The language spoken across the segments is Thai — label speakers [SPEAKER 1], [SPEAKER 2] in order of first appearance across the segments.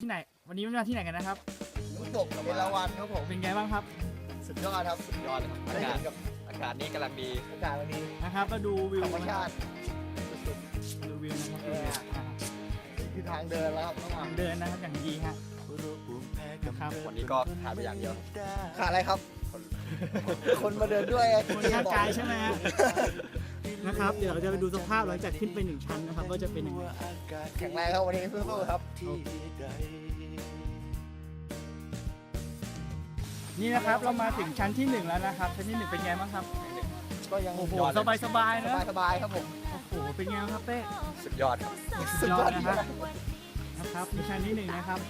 [SPEAKER 1] ที่ไหนวันนี้มาที่ไหนกันนะครับ
[SPEAKER 2] น้ำตกเอราวัณครับผม
[SPEAKER 1] เป็นไงบ้างครับ
[SPEAKER 2] สุดยอดครับสุดยอดเลยครับ
[SPEAKER 3] อากาศ
[SPEAKER 2] กับ
[SPEAKER 3] อากาศนี่กำลังดี
[SPEAKER 2] อากาศวันนี้
[SPEAKER 1] นะครับก็ดูวิว
[SPEAKER 2] ธรรมชาติสุด
[SPEAKER 1] ดูวิวนะครับ
[SPEAKER 2] ๆนี่คือทางเดินแล้วครับต้อง
[SPEAKER 1] ทางเดินนะครับอย่างดีฮะนะครับ
[SPEAKER 3] วันนี้ก็ขาดไปอย่างเดียว
[SPEAKER 2] ขาดอะไรครับ คนมาเดินด้วย
[SPEAKER 1] คนข้างกายใช่ไหมฮะนะครับเดี๋ยวเราจะไปดูสภาพหลังจากขึ้นไป1 ชั้นนะครับว่าจะเป็นยังไง
[SPEAKER 2] แข็งแรงครับวันนี้สู้ๆครับ
[SPEAKER 1] นี่นะครับเรามาถึงชั้นที่1แล้วนะครับชั้นที่1เป็นไงบ้างครับ
[SPEAKER 2] ก็ยัง
[SPEAKER 1] โอ้โหสบายๆนะ
[SPEAKER 2] สบายๆครับผม
[SPEAKER 1] โอ้โหเป็นไงบ้างครับเป้
[SPEAKER 3] สุดยอดครับ
[SPEAKER 1] สุดยอดนะครับในชั้นที่1นะครับ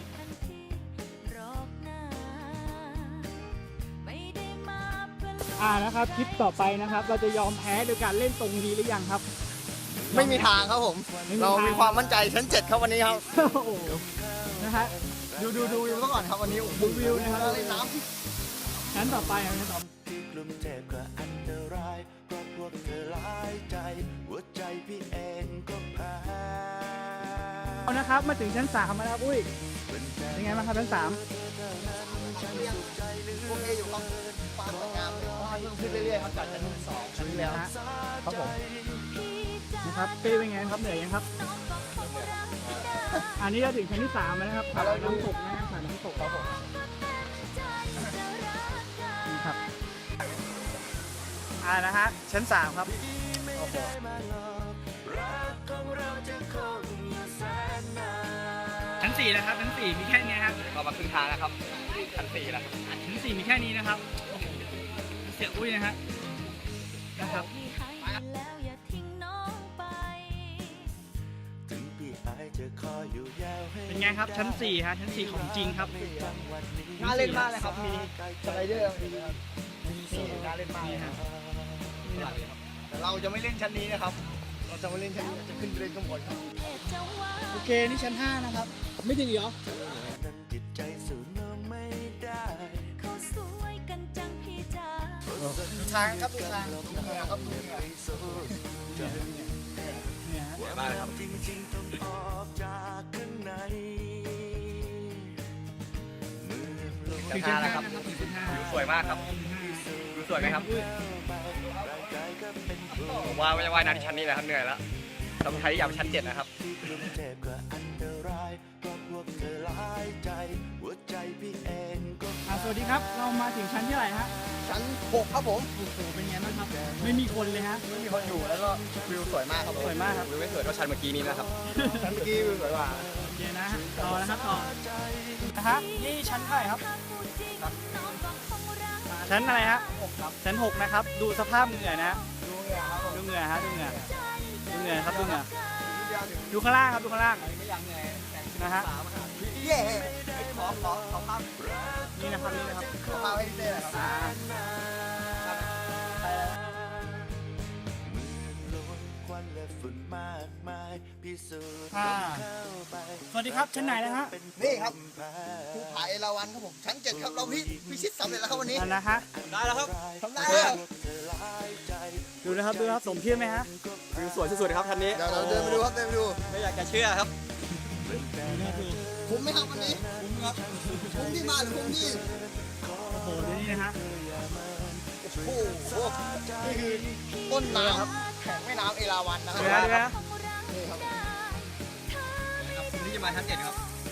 [SPEAKER 1] นะครับคลิปต่อไปนะครับ เราจะยอมแพ้โดยการเล่นตรงนี้หรือยังครับ
[SPEAKER 2] ไม่มีทางครับผม
[SPEAKER 1] ไม่มีทาง
[SPEAKER 2] เรามีความมั่นใจชั้น 7 ครับวันนี้ครับ
[SPEAKER 1] โอ้โหนะฮะ
[SPEAKER 2] ดูวิวซะก่อนครับวันนี้
[SPEAKER 1] ดูวิวนะครับ
[SPEAKER 2] เล่นน้
[SPEAKER 1] ชั้นต่อไปชั้นต่อไป
[SPEAKER 4] ที่กลุ่มเทพก็อันตรายเพราะพวกเธอหลายใจหัวใจพี่เองก็แพ้
[SPEAKER 1] เอานะครับมาถึงชั้น3แล้วครับอุ้ยเป็นไงบ้างครับชั้น3
[SPEAKER 2] ำโอเคอยู่ครับความสวยงามเลยเพราะว่าเพิ่มขึ้นเรื่อยๆครับจากชั้น2ชั้นที่แล้ว
[SPEAKER 1] นะฮะ
[SPEAKER 2] ครับผม
[SPEAKER 1] นะครับเป้เป็นไงครับเหนื่อยยังครับอันนี้เราถึงชั้นที่3แล้วนะครับน้ำตกนะครับน้ำตกครับผมนี่ครับนะฮะชั้น3ครับโอ้โหชั้น4นะครับชั้น4มีแค่นี้ครับ
[SPEAKER 3] ก็มาครึ่งทางแล้วครับชั้น4แล้ว
[SPEAKER 1] ชั้น4มีแค่นี้นะครับโอ้โหเสียอุ้ยนะฮะนะครับ
[SPEAKER 4] ถึงพี่อายจะคอยอยู่ยาวให้
[SPEAKER 1] เป็นไงครับชั้น4ฮะชั้น4ของจริงครับ
[SPEAKER 2] น่าเล่นมากเลยครับมีสไลเดอร์นะครับนี่น่าเล่นมากเลย
[SPEAKER 1] นี่
[SPEAKER 2] ค
[SPEAKER 1] ฮะ
[SPEAKER 2] รับแต่เราจะไม่เล่นชั้นนี้นะครับ เราจะไม่เล่นชั้นนี้เราจะขึ้นไปเล่นข้างบนครับ
[SPEAKER 1] โอเคนี่ชั้น5นะครับไม่ถึงเหรอ
[SPEAKER 4] นั้นจิตใจสู้เนื้อไม่ได้
[SPEAKER 2] ดูทางครับดูทางดูเหงื่อครับดูเหงื่อ
[SPEAKER 1] เนี่ยฮะ
[SPEAKER 3] มากเลยครับ
[SPEAKER 4] จริงๆต้องออกจากข้างในเมื่อลม
[SPEAKER 1] ถึงชั้น5นะครับถึงชั้น
[SPEAKER 3] วิวสวยมากครับวิวสวยไหมครับ
[SPEAKER 4] ร่างกายก็เป็นครู
[SPEAKER 3] ผมว่าไม่ได้ว่ายน้ำที่ชั้นนี้นะครับเหนื่อยแล้วต้องใช้อยากไปชั้น7นะครับ
[SPEAKER 4] ที่กลุ่มเทพก็อันตรายเพราะพวกเธอหลายใจหัวใจพี่เองก็
[SPEAKER 1] สวัสดีครับเรามาถึงชั้นที่ไหนฮะ
[SPEAKER 2] ชั้น6ครับผม
[SPEAKER 1] โอ้โหเป็นไงบ้างครับไม่มีคนเลยฮะ
[SPEAKER 2] ไม่มีคนอยู่แล้วก็วิวสวยมากครับผม
[SPEAKER 1] สวยมากครับ
[SPEAKER 3] วิวไม่สวยเท่าชั้นเมื่อกี้นี้นะครับ
[SPEAKER 2] ชั้นเมื่อกี้วิวสวยกว่า
[SPEAKER 1] โอเคนะฮะต่อนะครับต่อนะฮะนี่ชั้นเท่าไหร่ครับชั้นอะไรฮะชั้น6นะครับดูสภาพเหงื่อนะฮะ
[SPEAKER 2] ดูเหงื่อครับผม
[SPEAKER 1] ดูเหงื่อฮะดูเหงื่อดูเหงื่อครับดูเหงื่อ
[SPEAKER 2] นิดเดียวถึง
[SPEAKER 1] ดูข้างล่างครับดูข้างล่าง
[SPEAKER 2] ไม่ยังเหนื่อยแต่ง
[SPEAKER 1] นะฮะ
[SPEAKER 2] เย่ขอภาพ
[SPEAKER 1] นี่นะครับนี่นะครับ
[SPEAKER 2] ขอภาพให้พี่เต้หน่อยครับ
[SPEAKER 1] อ่า
[SPEAKER 2] ไปแล้ว
[SPEAKER 4] มือล้วนควันและฝุ่นมากมายพิสูจน์
[SPEAKER 1] อ่า
[SPEAKER 4] เข้าไป
[SPEAKER 1] สวัสดีครับชั้นไหนแล้วฮะ
[SPEAKER 2] นี่ครับภูผาเอราวัณครับผมชั้น 7 ครับเราพิชิตสำเร็จแล้วครับวันนี้
[SPEAKER 1] นั่นนะฮะ
[SPEAKER 2] ได้แล้วครับทำได้แล้ว
[SPEAKER 1] ดูนะครับดูนะครับสมชื่อไหมฮะ
[SPEAKER 3] วิวสวยสุดๆครับชั้นนี้
[SPEAKER 2] เดี๋ยวเราเดินไปดูครับเดินไปดู
[SPEAKER 3] ไม่อยากจะเชื่อครับ
[SPEAKER 2] คุ้มไหมครับวันนี้คุ้มครับคุ้มที่มาหรือคุ้มที่
[SPEAKER 1] โอ้โหดูนี่นะฮะ
[SPEAKER 2] โอ้โหนี่คือต้นน้ำแข็งแม่น้ำเอราวัณนะครั
[SPEAKER 1] ดูนะดูนะ
[SPEAKER 2] นี่ครับ
[SPEAKER 3] ครับคุณที่จะมาชั้น7ครับ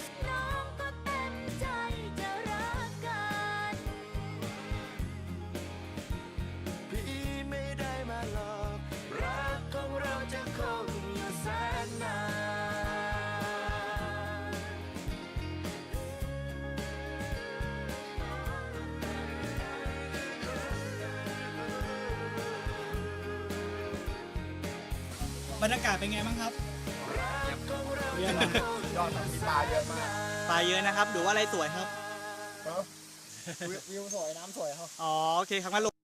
[SPEAKER 4] พี่ไม่ได้มาหลอกรักของเราจะคงอยู่แสนนาน
[SPEAKER 1] บรรยากาศเป็นไงบ้างครับเยี่ยมนะ
[SPEAKER 2] ยอดมีปลาเยอะมาก
[SPEAKER 1] ปลาเยอะนะครับดูว่าอะไรสวยครับ
[SPEAKER 2] วิวสวยน้ำสวยครับ
[SPEAKER 1] อ๋อโอเคครับงั้นลง